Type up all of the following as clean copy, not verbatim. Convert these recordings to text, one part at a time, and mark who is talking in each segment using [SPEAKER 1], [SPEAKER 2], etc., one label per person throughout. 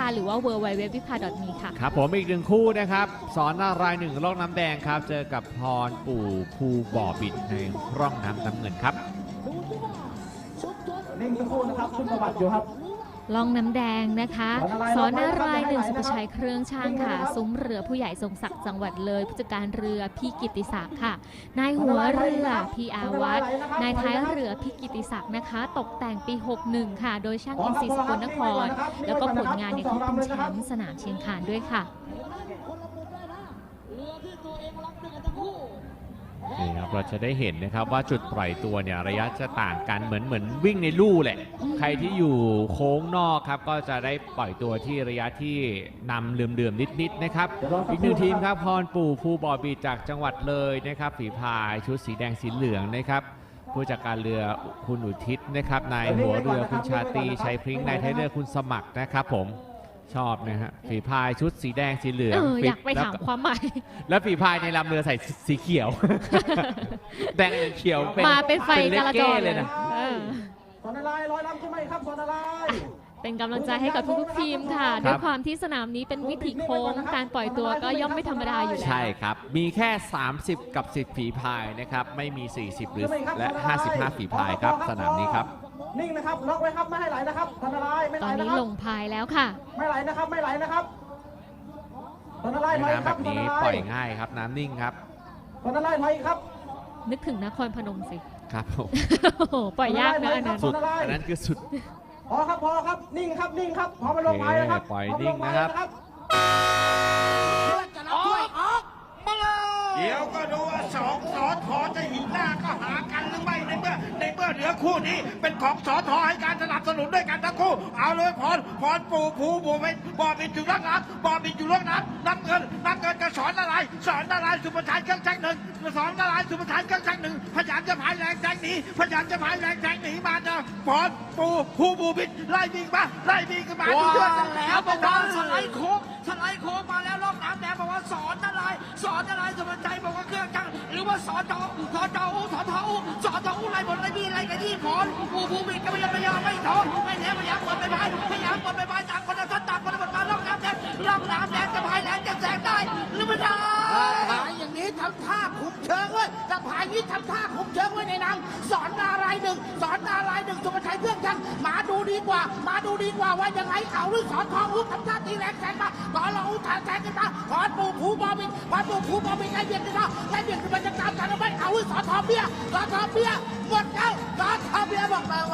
[SPEAKER 1] หรือว่า www.vipa.me ค่ะ
[SPEAKER 2] ครับผมอีกหนึ่งคู่นะครับสอนนารายณ์หนึ่งร่องน้ำแดงครับเจอกับพรปู่ภูบ่อบิดในร่องน้ำเงินครับ
[SPEAKER 3] นิ่งสักครู่นะครับชุดประวัติอยู่ครับ
[SPEAKER 1] ล่องน้ำแดงนะคะสอนนารายณ์หนึ่งสุภชัยเครื่องช่างค่ะซุ้มเรือผู้ใหญ่ทรงศักดิ์จังหวัดเลยผู้จัดการเรือพี่กิติศักดิ์ค่ะนายหัวเรือพี่อาวัฒน์นายท้ายเรือพี่กิติศักดิ์นะคะตกแต่งปี 61 ค่ะโดยช่างอินทรีย์สกลนครแล้วก็ผลงานเนี่ยเขาเป็นแชมป์สนามเชียงคานด้วยค่ะ
[SPEAKER 2] นี่ครับเราจะได้เห็นนะครับว่าจุดปล่อยตัวเนี่ยระยะจะต่างกันเหมือนวิ่งในลู่แหละใครที่อยู่โค้งนอกครับก็จะได้ปล่อยตัวที่ระยะที่นำเลื่อมๆนิดๆนะครับอีกหนึ่งทีมครับพรปู่ภูบ่อบิดจากจังหวัดเลยนะครับฝีพายชุดสีแดงสีเหลืองนะครับผู้จัดการเรือคุณอุทิศนะครับนายหัวเรือคุณชาตรีชัยพริ้งนายท้ายเรือคุณสมัครนะครับผมชอบนะฮะฝีพายชุดสีแดงสีเหลือง
[SPEAKER 1] อยากไปถามความหมาย
[SPEAKER 2] แล้วฝีพายในลำเรือใส่สีเขียว แดงกับเขียว
[SPEAKER 1] มาเป็นไฟจราจร
[SPEAKER 2] เลยนะ
[SPEAKER 3] สอนอะไรร้อยลำใช่ไหมครับสอนอะไร
[SPEAKER 1] เป็นกำลังใจให้กับทุกๆทีมค่ะด้วยความที่สนามนี้เป็นวิถีโค้งการปล่อยตัวก็ย่อมไม่ธรรมดาอยู่แล้ว
[SPEAKER 2] ใช่ครับมีแค่30กับ10ฝีพายนะครับไม่มี40หรือและ55ฝีพายครับสนามนี้ครับ
[SPEAKER 3] นิ่งนะครับล็อกไว้ครับไม่ให้ไหลนะครับสอนอะไรไม่ไหล
[SPEAKER 1] นะครับตอนนี้ลงพายแล้วค่ะ
[SPEAKER 3] ไม่ไหลนะครับไม่ไหลนะครับสอนอะไรถอย
[SPEAKER 2] น้ำแบบนี้ปล่อยง่ายครับน้ำนิ่งครับ
[SPEAKER 3] สอนอะไรถอยครับ
[SPEAKER 1] นึกถึงนครพนมสิ
[SPEAKER 2] ครับผม
[SPEAKER 1] ปล่อยยากนะอันนั้น
[SPEAKER 2] สุดอันนั้นคือสุด
[SPEAKER 3] พอครับนิ่งครับนิ่งครับพอมาลงพายนะครับ
[SPEAKER 2] ปล่อยนิ่งนะครับ
[SPEAKER 4] เดี๋ยวก็ดูว่าสองสอทอจะหินหน้าก็หากันหรือไม่ในเมื่อเหลือคู่นี้เป็นของสอทอให้การสนับสนุนด้วยกันทั้งคู่เอาเลยพรปู่ภูบ่อบิดอยู่ล่างน้ำบ่อบิดอยู่ล่างน้ำน้ำเงินจะสอนอะไรสุภชัยเครื่องช่างหนึ่งสอนอะไรสุภชัยเครื่องช่างหนึ่งพยายามจะพายแรงแซงหนีมาจะพรปู่ภูบ่อบิดไล่วิ่งมาดูเยอะแล้วบอกว่าสไลด์โค้งมาแล้วรอบน้ำแดงบอกว่าสอนอะไรสุภชัยบอกว่าเครื่องจักรหรือว่าสอนทออะไรหมดอะไรนี่อะไรกันที่ผลภูมิก็ไม่ยอมไม่ท้อไม่แน่พยายามกดไปพายต่างคนละท่านต่างคนละหมดมาล่องน้ำแดงจะพายแรงจะแซงได้หรือไม่ได้พายอย่างนี้ทำท่าคุมเชิงเว้ยจะพายนี้ทำท่าคุมเชิงไว้ในน้ำสอนนารายณ์หนึ่งสุภชัยเครื่องจักรมาดูดีกว่าว่ายังไงเอาหรือสอนทองทำท่าตีแรงแซงมาขอเราแซงกันมาขอปู่ภูบ่อบิดไล่เบียดกันมาจะตามกันเอาไว้เอาหรือสอนทองเบี้ยหมดแล้วสอนทองเบี้ยบอกไม่ไหว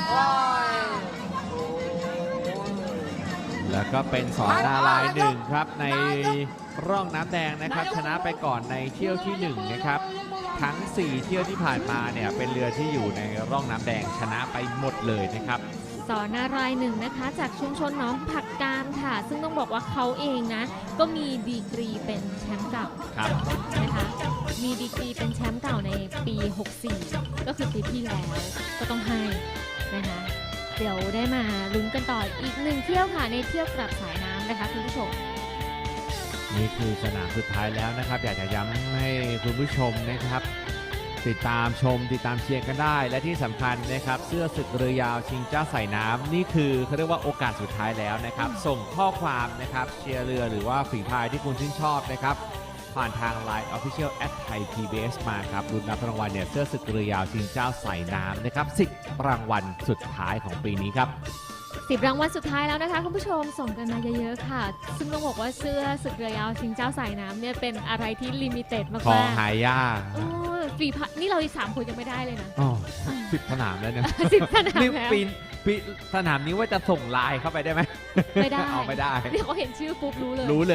[SPEAKER 2] แล้วก็เป็นสอนนารายณ์หนึ่งครับในร่องน้ำแดงนะครับชนะไปก่อนในเที่ยวที่1นะครับทั้ง4เที่ยวที่ผ่านมาเนี่ยเป็นเรือที่อยู่ในร่องน้ำแดงชนะไปหมดเลยนะครับ
[SPEAKER 1] สอนนารายณ์หนึ่งนะคะจากชุมชนหนองผักกาดค่ะซึ่งต้องบอกว่าเขาเองนะก็มีดีกรีเป็นแชมป์เก่านะคะมีดีกรีเป็นแชมป์เก่าในปี 64 ก็คือปีที่แล้วก็ต้องให้นะคะเดี๋ยวได้มาลุ้นกันต่ออีก1เที่ยวค่ะในเที่ยวกลับสายน้ำนะคะคุณผู้ชม
[SPEAKER 2] นี่คือสนามสุดท้ายแล้วนะครับอยากจะย้ำให้คุณผู้ชมนะครับติดตามเชียร์กันได้และที่สำคัญนะครับเสื้อศึกเรือยาวชิงเจ้าสายน้ำนี่คือเขาเรียกว่าโอกาสสุดท้ายแล้วนะครับส่งข้อความนะครับเชียร์เรือหรือว่าฝีพายที่คุณชื่นชอบนะครับผ่านทาง Line Official @ThaiPBS มาครับลุ้นรับรางวัลเนี่ยเสื้อศึกเรือยาวชิงเจ้าสายน้ำนะครับ10รางวัลสุดท้ายของปีนี้ครับ
[SPEAKER 1] 10รางวัลสุดท้ายแล้วนะคะคุณผู้ชมส่งกันมาเยอะๆค่ะซึ่งต้องบอกว่าเสื้อศึกเรือยาวชิงเจ้าสายน้ำเนี่ยเป็นอะไรที่ลิมิเต็ดมากๆ
[SPEAKER 2] ของหายาก
[SPEAKER 1] ฝีพายนี่เราอีก3คนยังไม่ได้เลยนะ
[SPEAKER 2] 10 สนามแล้วเนี่ย
[SPEAKER 1] 10 สนามแล้ว
[SPEAKER 2] ปีสนามนี้ว่าจะส่งไลน์เข้าไปได้ไหม
[SPEAKER 1] ไม่ได้
[SPEAKER 2] ไม่ได้
[SPEAKER 1] เดี๋ยวเขาเห็นชื่อปุ๊บรู้เลย